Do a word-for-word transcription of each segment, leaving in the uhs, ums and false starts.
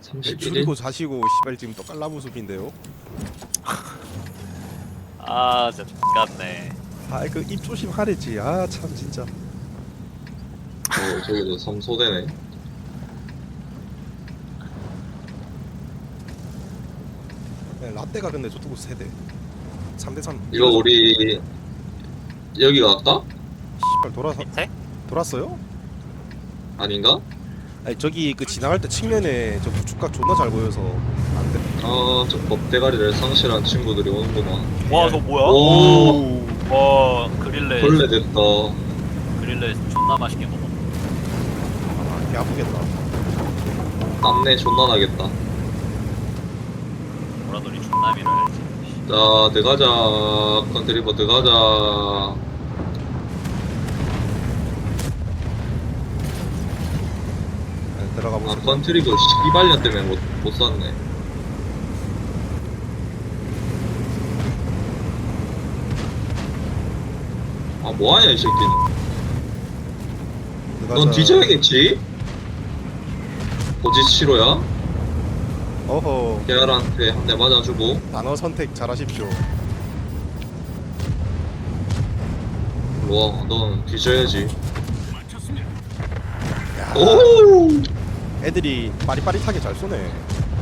삼십일 일? 줄이고 자시고 씨발 지금 또 깔라부숲인데요. 아 진짜 X같네. 아 그 입 조심하랬지. 아 참 진짜. 어, 저기도 삼소대네. 네, 라떼가 근데 저쪽으로 세대. 삼 대 삼. 이거 우리 여기 갈까? 씨발 돌아서 밑에? 돌았어요? 아닌가? 아니 저기 그 지나갈 때 측면에 저 구축각 존나 잘 보여서 안 돼. 아, 저 법대가리를 상실한 친구들이 오는구만. 와 이거 뭐야? 오, 와 그릴레 벌레 됐다. 그릴레 존나 맛있게 먹어. 아, 개 아프겠다. 땀내 존나 나겠다. 보라돌이 존나 밀어야지. 자, 들어가자. 컨트리버 들어가자. 네, 들어가 아, 보세요. 컨트리버 씨발년 때문에 못, 못 샀네. 아, 뭐하냐, 이 새끼는. 넌 뒤져야겠지? 고지 치로야? 어허. 계알한테 한 대 맞아주고. 단어 선택 잘하십시오. 와, 넌 뒤져야지. 야, 오! 애들이 빠릿빠릿하게 잘 쏘네.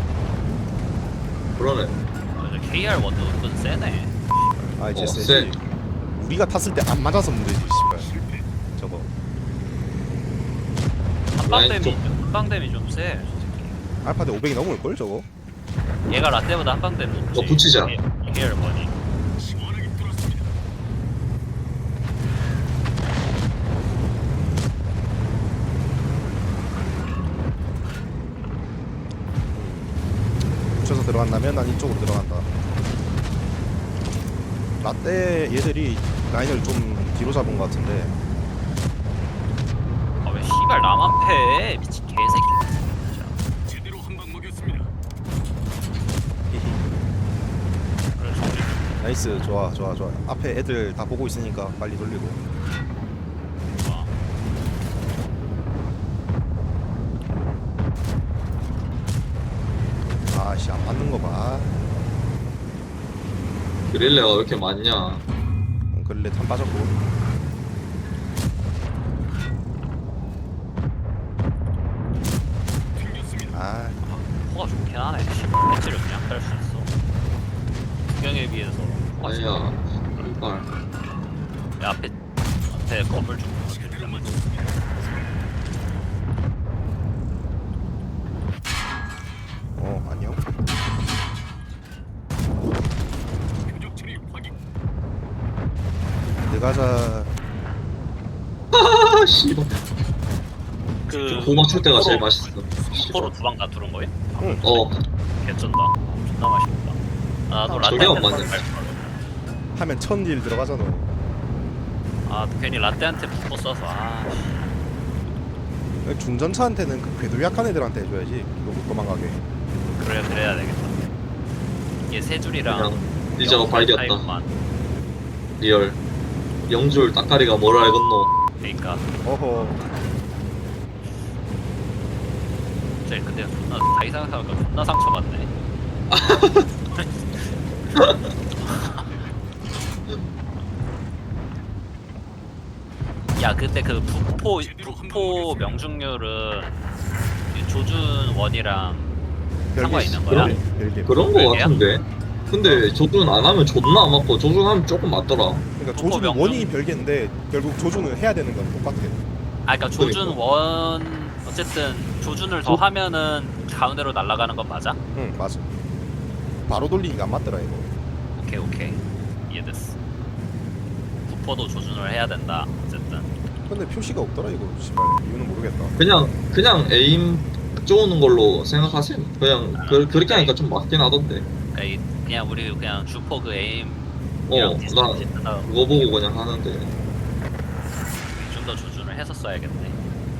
그러네. 아, 케이알 원도 은근 세네. 아 이제 어, 세지. 세. 우리가 탔을 때 안 맞아서 문제지 씨발. 저거. 한방댐이 좀- 한방댐이 좀 세. 알파대 오백이 넘을 걸 저거. 얘가 라떼보다 한방댐 높지. 어, 붙이자. 케이알 원이. 붙여서 들어간다면 난 이쪽으로 들어간다. 라떼 얘들이 라인을 좀 뒤로 잡은 것 같은데. 아 왜 씨발 나만 패? 미친 개새끼. 진짜. 제대로 한 방 먹였습니다. 히히. 그래 저기. 나이스. 좋아 좋아 좋아. 앞에 애들 다 보고 있으니까 빨리 돌리고. 좋아. 아씨 안 맞는 거 봐. 그릴레가 왜 이렇게 많냐? 음, 그릴레 탄 빠졌고. 튕겼습니다. 아 코가 좋긴 하네. 씨발 배치를 그냥 깔 수 있어. 구경에 비해서. 코가 좋아. 아니야. 이발. 야, 앞에 앞에 건물 좀. 제대로 맞췄습니다. 어 안녕. 표적 처리 확인. 들어가자. 아, 씨발. 그 고 맞출 때가 제일 맛있어. 포로 두 방 다 뚫은 거예요? 응. 어, 개쩐다. 존나 맛있다. 아, 나도 아, 라떼 저게 안 한테 맞네. 하면 천일 들어가잖아. 아, 괜히 라떼한테 붙어 써서 아. 씨. 중전차한테는 그 궤도 약한 애들한테 해줘야지. 이거 못 도망가게. 그래야 그래야 되겠다. 이게 세 줄이랑 그냥 리저가 발겼다. 타입만. 리얼. 영줄 따까리가 뭘 알겠노. 그러니까 어허. 진짜 근데 존나 다 이상 생각하니까 존나 상처받네. 야, 그때 그 북포 북포 명중률은 그 조준 원이랑 상관 있는 거야? 별개, 별개. 그런 거 별개야? 같은데? 근데 조준 안 하면 존나 안 맞고 조준하면 조금 맞더라. 그러니까 북포 조준 명중- 원이 별개인데 결국 조준을 해야 되는 건 똑같아. 아, 그러니까 조준 그러니까. 원 어쨌든 조준을 더 조- 하면은 가운데로 날아가는 건 맞아? 응 맞아. 바로 돌리니까 안 맞더라 이거. 오케이 오케이 이해됐어. 북포도 조준을 해야 된다. 어쨌든 근데 표시가 없더라 이거. 씨발 이유는 모르겠다. 그냥, 그냥 에임 쪼는 걸로 생각하세요. 그냥, 그, 그렇게 하니까 좀 맞긴 하던데. 그러니까 이, 그냥 우리 그냥 주포 그 에임 어, 나 그거 보고 그냥 하는데. 좀 더 조준을 해서 써야겠네.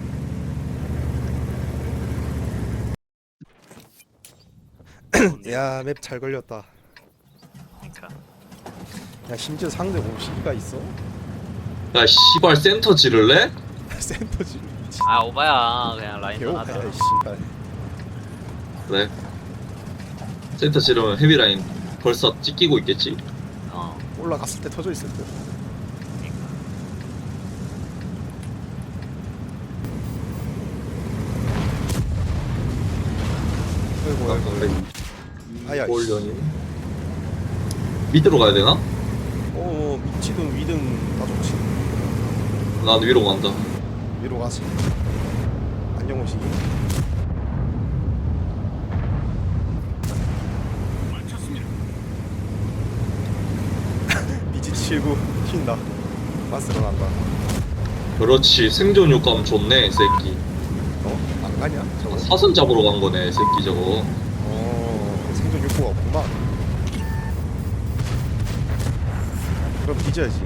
야 맵 잘 걸렸다. 그러니까 야 심지어 상대 오십이가 있어? 야, 씨발 센터 지를래? 센터지. 아 오바야 그냥 라인 개오파야 하자. 씨발. 그래. 센터 지르면 헤비라인 벌써 찢기고 있겠지? 어. 올라갔을 때 터져 있을 듯. 아이고 아이고. 아야. 볼련이 밑으로 가야 되나? 어 밑이든 위든 다 좋지. 난 위로 간다. 위로 가시. 안녕 오시기. 맞췄습니다. 비지 치고 튄다. 마스로 간다. 그렇지. 생존 효과음 좋네, 이 새끼. 어? 안 가냐? 저거? 사슴 잡으러 간 거네, 이 새끼 저거. 어 생존 욕구가 없구만. 그럼 뒤져야지.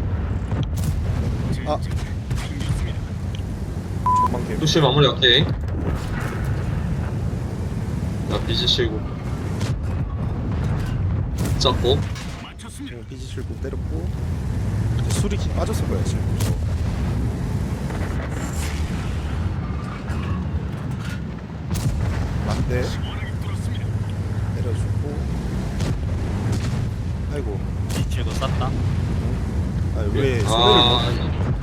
아. 챙겼습니다. 전망 개. 투시 마무리 할게. 나 비지 치고. 잡고. 맞췄습니다. 지금 비지 칠고 때렸고 이제 술이 기 빠졌을 거야 지금. 맞대. 시원하게 뚫었습니다. 내려주고. 아이고. 뒤치고 쐈다. 아 왜 소리를 아,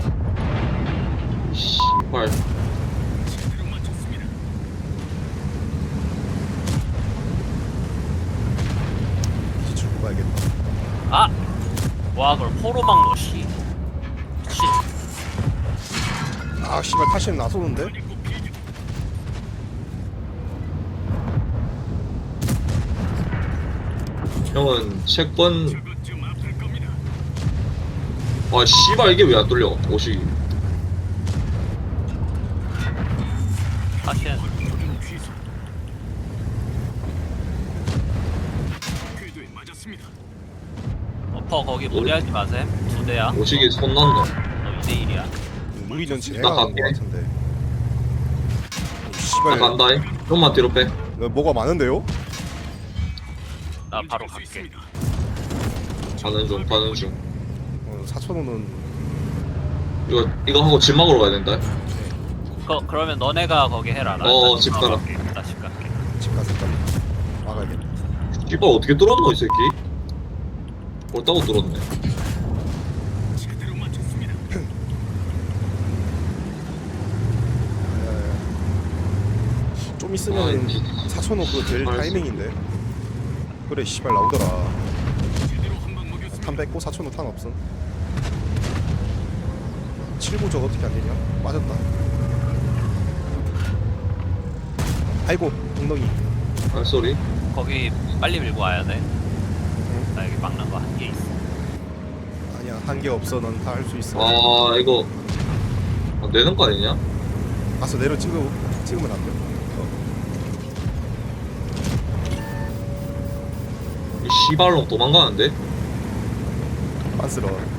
못? 씨발. 제대로 맞췄습니다. 비지 칠고 가야겠다. 아! 와 그걸 포로 막노 씨. 미친. 아 씨발 타시는 나서는데? 꼭 비교. 형은 채권. 저것쯤 아플 겁니다. 아, 씨발, 이게 왜 안 뚫려? 옷이. 사실 조준 취소. 궤도에 맞았습니다. 어퍼 거기 무리하지 마셈. 두 대야. 옷이 손 난다. 너 이 대 일이야. 무리는 진행 나 안 하는 거 갈게. 같은데. 오, 나 씨발. 간다잉. 좀만 뒤로 빼. 너 뭐가 많은데요? 나 바로 움직일 수 갈게. 있습니다. 가는 중, 가는 중. 어, 사천 원은 이거, 이거 하고 집 막으러 가야 된다. 그, 그러면 너네가 거기 해라. 나 어, 일단 집 가라. 갈게. 나집 갈게. 집 가서 일단 막아야겠다. 씨발, 어떻게 뚫었노, 이 새끼? 옳다고 뚫었네. 제대로 맞췄습니다. 좀 아, 있으면 이- 사천 원 그거 될 알았어. 타이밍인데. 그래 씨발 나오더라. 제대로 한방 먹였습니다. 탄 뺏고 사천 원 탄 없음. 칠구 저거 어떻게 안 되냐? 빠졌다. 아이고 엉덩이. 아, 쏘리. 거기 빨리 밀고 와야 돼. 나 여기 막는 거 한 개 있어. 아니야 한 개 없어. 넌 다 할 수 있어. 아, 이거. 아, 내는 거 아니냐? 가서 내려 찍어 찍으면 안 돼. 어. 이 씨발놈 도망가는데? 빤스러워.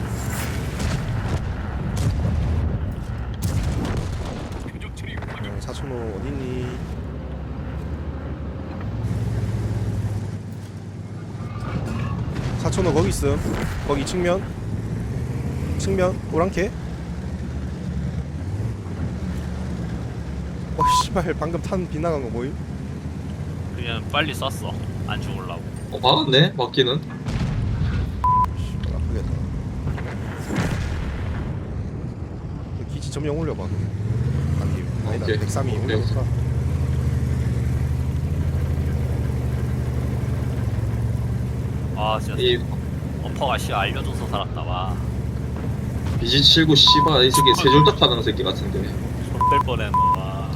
표적 처리 확인. 어, 사천 원 어딨니? 사천 원 거기 있음. 거기 측면. 측면 오랑캐. 어 씨발 방금 탄 빗나간 거 뭐임? 그냥 빨리 쐈어. 안 죽을라고. 어, 박았네, 바퀴는. 씨발 아프겠다. 그 기지 점령 올려봐. 아니 아니다 오케이. 백삼이 오케이. 올려볼까? 아 진짜 이 어퍼가 씨 알려줘서 살았다. 와. 비지 칠고 씨발, 이 새끼 세줄딱 하는 새끼 같은데. 손뺄 뻔했노. 와.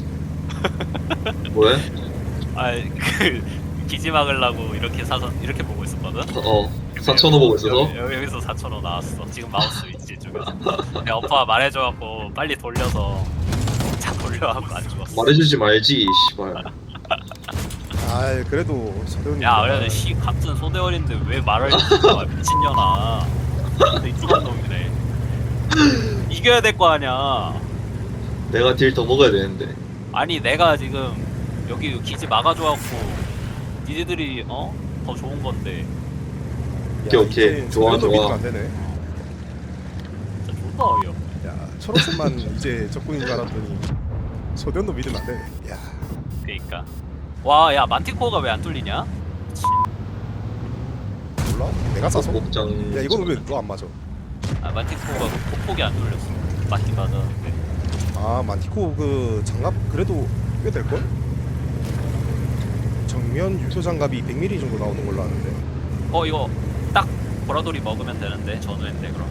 뭐해? 아이 그 기지 막으려고 이렇게 사서 이렇게 보고 있었거든. 어, 사천 원 보고 있어서. 여기, 여기, 여기서 사천 원 나왔어. 지금 마우스 있지 쪽에서. 내 어퍼가 말해줘갖고 빨리 돌려서 차 돌려갖고 안 죽었어. 말해주지 말지, 씨발. 아 그래도 서대훈이. 야, 그래도 씨 같은 소대원인데 왜 말을 해주는 거야 미친년아. 근데 이상한 놈이네. 이겨야 될 거 아니야. 내가 딜 더 먹어야 되는데. 아니 내가 지금 여기 기지 막아줘갖고 니네들이 어? 더 좋은 건데 오케이, 오케이. 좋아, 좋아. 안 되네. 진짜 존나 어이없네. 야 초록색만 이제 적군인 줄 알았더니 소대훈도 믿으면 안 되네. 야 그니까 와, 야 만티코어가 왜 안 뚫리냐? 몰라? 내가 싸서? 목장. 야 이거는 왜 너 안 맞아? 아 만티코어가 폭폭이 안 뚫렸어. 맞긴 맞았는데. 아 만티코 그 장갑 그래도 꽤 될걸? 정면 유효 장갑이 백 밀리미터 정도 나오는 걸로 아는데. 어 이거 딱 보라돌이 먹으면 되는데 전후인데 그럼.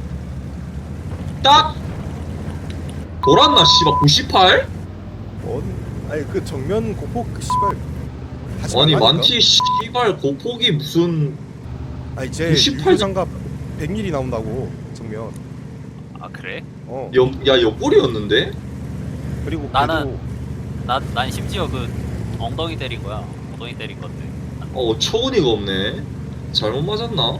딱 돌았나 씨발 구십팔? 어? 아니 그 정면 고폭 그 씨발 하지 아니 말라니까? 만티 씨발 고폭이 무슨 아니 제 구십팔 유효 장갑 백 밀리미터 나온다고 정면. 아 그래? 어. 옆, 야 옆구리였는데? 그리고 나는- 난, 난 심지어 그 엉덩이 때린 거야. 엉덩이 때린 건데. 어 처운이가 없네. 잘못 맞았나?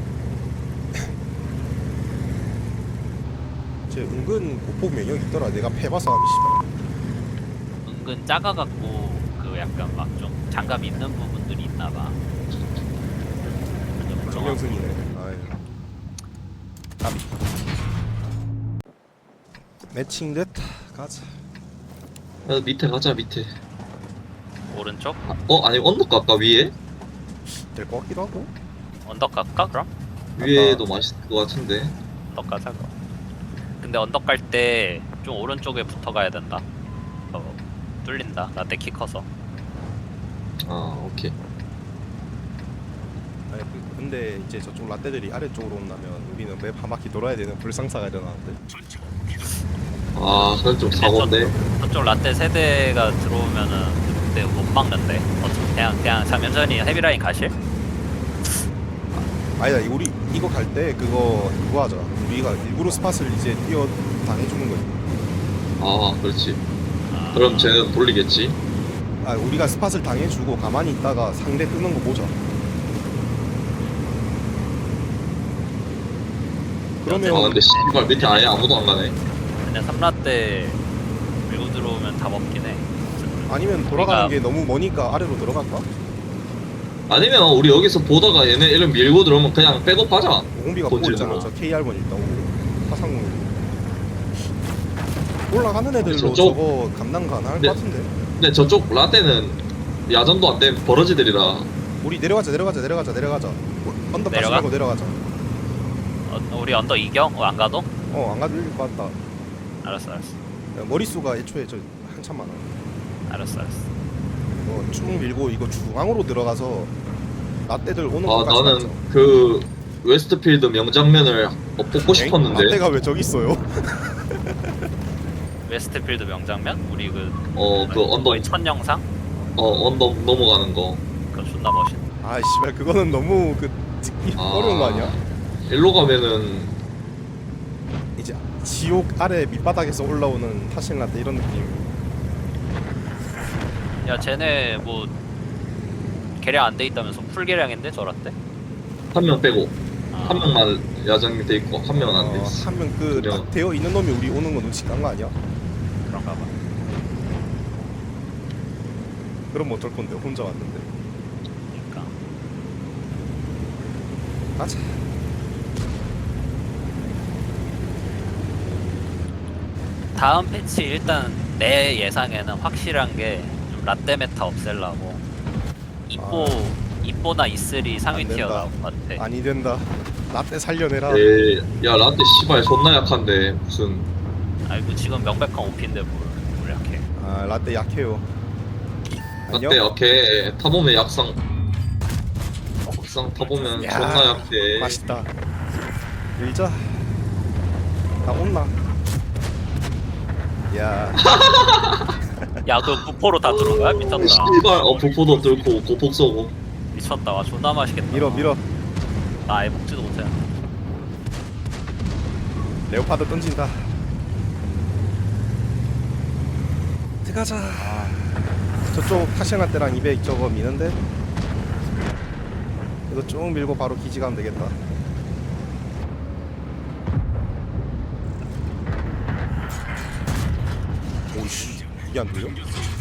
제 은근 고폭 면역 있더라. 내가 패봐서 하면 씨발. 은근 작아갖고 그 약간 막 좀 장갑 있는 부분들이 있나봐. 정명승이네. 아유. 까비. 매칭 됐다. 가자. 야, 밑에 가자 밑에. 오른쪽 아, 어 아니 언덕 갈까 위에? 될 것 같기도 하고. 언덕 갈까 그럼? 위에도 맛있을 것 같은데. 언덕 가자 그럼. 근데 언덕 갈 때 좀 오른쪽에 붙어 가야 된다. 어, 뚫린다. 나때 키 커서. 아 오케이. 아니 그- 근데 이제 저쪽 라떼들이 아래쪽으로 온다면 우리는 맵 한 바퀴 돌아야 되는 불상사가 일어나는데. 전차 아 그건 좀 사고인데. 저쪽 라떼 세대가 들어오면은 그때 못 막는데. 어차피 그냥 그냥 잠연전히 헤비라인 가실? 아니다 우리 이거 갈 때 그거 그거 하자. 우리가 일부러 스팟을 이제 뛰어 당해주는 거지. 아 그렇지. 아, 그럼 쟤는 돌리겠지. 아 우리가 스팟을 당해주고 가만히 있다가 상대 뜨는 거 보자. 그러면 아 근데 씨발 밑에 아예 아무도 안 가네. 근데 삼라떼 밀고 들어오면 다 먹긴 해. 아니면 돌아가는 우리가- 게 너무 머니까 아래로 들어갈까? 아니면 우리 여기서 보다가 얘네 이름 밀고 들어오면 그냥 백업하자. 오공비가 본질은 보고 있잖아. 뭐. 저 케이알번 일단 오고 화상공 올라가는 애들로 저쪽- 저거 감당 가능할 네. 것 같은데. 근데 저쪽 라떼는 야전도 안 된 버러지들이라. 우리 내려가자 내려가자 내려가자 내려가자. 언덕 다시 내려가? 말고 내려가자. 어, 우리 언덕 이경? 어, 안 가도? 어 안 가도 될것 같다. 알았어 알았어 야, 머릿수가 애초에 저 한참 많아. 알았어 알았어. 어, 쭉 밀고 이거 중앙으로 들어가서 라떼들 오는 아 것까지 나는 그 웨스트필드 명장면을 어, 뽑고 싶었는데. 라떼가 왜 저기 있어요? 웨스트필드 명장면? 우리 그 어 그 언덕 거의 첫 영상? 어 언덕 넘어가는 거. 그거 존나 멋있네. 아 씨발 그거는 너무 그 찍기 어려운 거 아니야? 일로 가면은 이제 지옥 아래 밑바닥에서 올라오는 타신 라떼 이런 느낌. 야 쟤네 뭐 개량 안 돼 있다면서 풀 개량인데 저란데? 한 명 빼고 아, 한 명만 야전이 돼 있고 한 명은 안 돼 있어. 한명그 그냥- 되어 있는 놈이 우리 오는 거 눈치 깐 거 아니야? 그런가 봐. 그럼 어쩔 건데 혼자 왔는데. 그러니까 가자. 다음 패치 일단 내 예상에는 확실한 게 좀 라떼 메타 없앨라고 이뽀 이뽀나 이슬이 상위 안 된다. 티어 나올 것 같아. 아니 된다. 라떼 살려내라. 에이, 야 라떼 씨발 존나 약한데 무슨 아이고 지금 명백한 오피인데 뭘, 뭘 약해. 아 라떼 약해요. 안녕. 라떼 약해. 타보면 약상 약상 타보면 야, 존나 약해. 맛있다. 밀자. 나 온나. 야. 야 그 부포로 다 들어온 거야? 미쳤다. 씨발 어 부포도 뚫고 고폭 쏘고. 미쳤다. 와 존나 맛있겠다. 밀어 밀어. 나 아예 먹지도 못해. 레오파드 던진다. 들어가자. 아, 저쪽 타시나 때랑 이백 저거 미는데. 이거 쭉 밀고 바로 기지 가면 되겠다. 오이씨 이게 안 들려?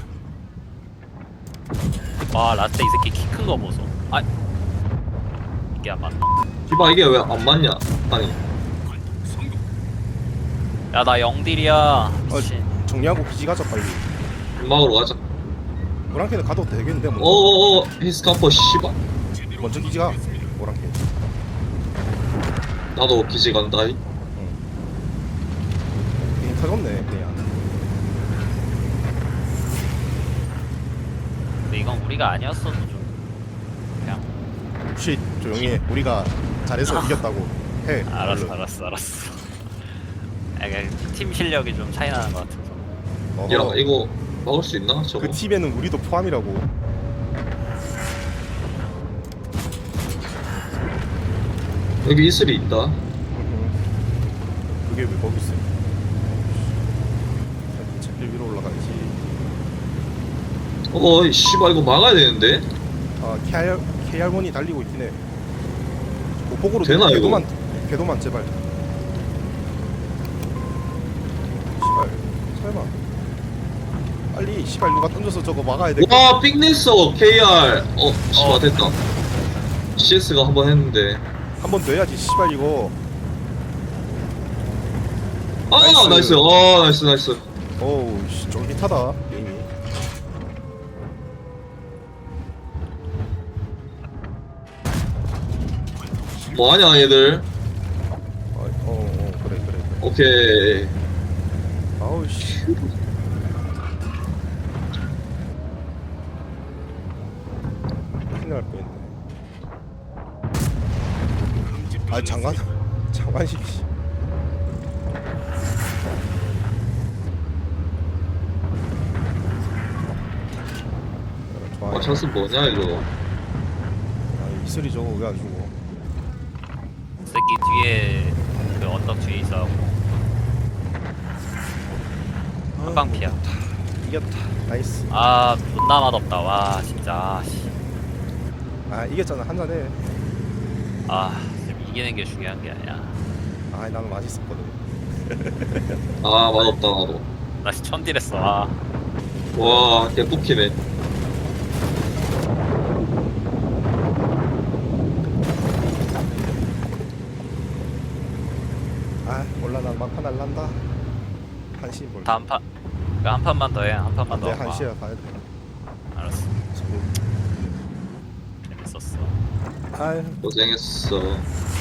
와 라떼 이 새끼 키 큰 거 보소. 아 이게 안 맞나? 씨발 이게 왜 안 맞냐? 아니 성공. 야 나 영딜이야. 미친. 정리하고 기지 가자 빨리. 음악으로 가자. 오랑캐는 가도 되겠는데 먼저. 어어어 히스카퍼 씨발. 제대로 먼저 한 기지가 방 먹였습니다. 오랑캐. 나도 기지 간다. 이. 게임 터졌네 그냥. 근데 이건 우리가 아니었어도 좀 그냥 쉿 조용히 해. 우리가 잘해서 이겼다고 해. 알았어 얼른. 알았어 알았어. 아, 그냥 팀 실력이 좀 차이 나는 것 같아서. 어허. 야 이거 막을 수 있나 저거? 그 팀에는 우리도 포함이라고. 여기 이슬이 있다. 그게 왜 거기 있어? 제길 위로 올라가야지. 어 씨발 이거 막아야 되는데. 아 케알 케알몬이 달리고 있긴 해. 보폭으로 되나, 이거? 궤도만 궤도만 제발. 씨발 설마. 빨리 씨발 누가 던져서 저거 막아야 돼. 와 빅냈어 케이알. 어 씨발 어. 됐다. 씨에스가 한 번 했는데. 한 번 더 해야지 씨발 이거. 아 나이스. 나이스. 아 나이스 나이스. 어우 씨 쫄깃하다 게임이. 뭐하냐 얘들. 어, 어, 어 그래 그래 그래. 오케이. 아우 씨. 큰일 날 뻔했네. 아 장관 장관식 씨. 좋아. 아 찬스 뭐냐 이거. 아 이슬이 저거 왜 안 죽어? 이 새끼 뒤에 그 언덕 뒤에 있어. 한방 피야. 이겼다. 나이스. 아 존나 맛없다. 와 진짜. 아, 씨. 아 이겼잖아 한잔해. 아 지금 이기는 게 중요한 게 아니야. 아 나는 맛있었거든. 아 맛없다 나도. 나 씨 천딜했어. 아. 와 개뽑히네. 아 몰라 난 막판 날란다. 한시 뭘. 다음 판. 그한 판만 더 해. 한 판만 더. 안돼 아, 한시야 가야 돼. 알았어. 지금. 재밌었어. 아유 고생했어.